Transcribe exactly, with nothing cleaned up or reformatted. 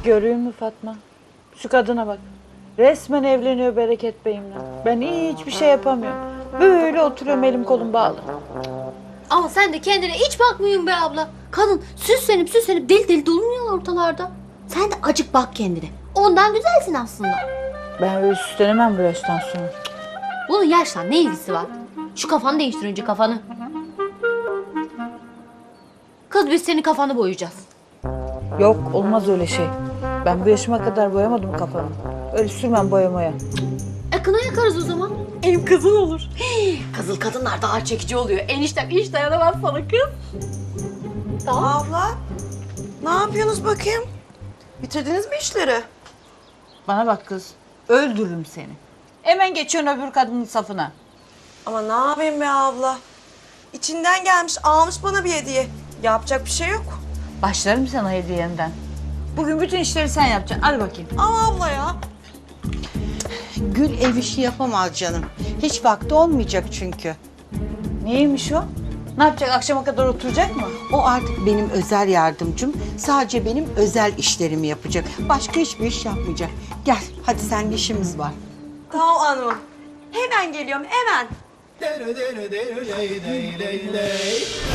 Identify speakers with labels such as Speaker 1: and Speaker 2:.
Speaker 1: Görüyor musun Fatma? Şu kadına bak. Resmen evleniyor Bereket Bey'imle. Ben hiçbir şey yapamıyorum. Böyle oturuyorum elim kolum bağlı.
Speaker 2: Ama sen de kendine hiç bakmıyorsun be abla. Kadın süslenip süslenip deli deli dolanıyor ortalarda. Sen de acık bak kendine. Ondan güzelsin aslında.
Speaker 1: Ben öyle süslenemem bu yaştan sonra.
Speaker 2: Bunun yaşla ne ilgisi var? Şu kafanı değiştir önce kafanı. Kız biz senin kafanı boyayacağız.
Speaker 1: Yok olmaz öyle şey. Ben bu yaşıma kadar boyamadım kafamı. Öyle sürmem boyamaya.
Speaker 2: E kına yakarız o zaman. Ev kızıl olur. Kızıl kadınlar daha çekici oluyor. Eniştem hiç dayanamaz sana kız. Tamam.
Speaker 3: Abla, ne yapıyorsunuz bakayım? Bitirdiniz mi işleri?
Speaker 1: Bana bak kız. Öldürürüm seni. Hemen geçiyorsun öbür kadının safına.
Speaker 3: Ama ne yapayım be abla? İçinden gelmiş, almış bana bir hediye. Yapacak bir şey yok.
Speaker 1: Başlarım sana hediyenden. Bugün bütün işleri sen yapacaksın. Hadi bakayım.
Speaker 3: Ama abla ya.
Speaker 4: Gül ev işi yapamaz canım. Hiç vakti olmayacak çünkü.
Speaker 1: Neymiş o? Ne yapacak? Akşama kadar oturacak mı?
Speaker 4: O artık benim özel yardımcım. Sadece benim özel işlerimi yapacak. Başka hiçbir iş yapmayacak. Gel hadi seninle işimiz var.
Speaker 3: Tamam hanımım. Hemen geliyorum, hemen.
Speaker 5: Dere dere dere ley ley ley ley.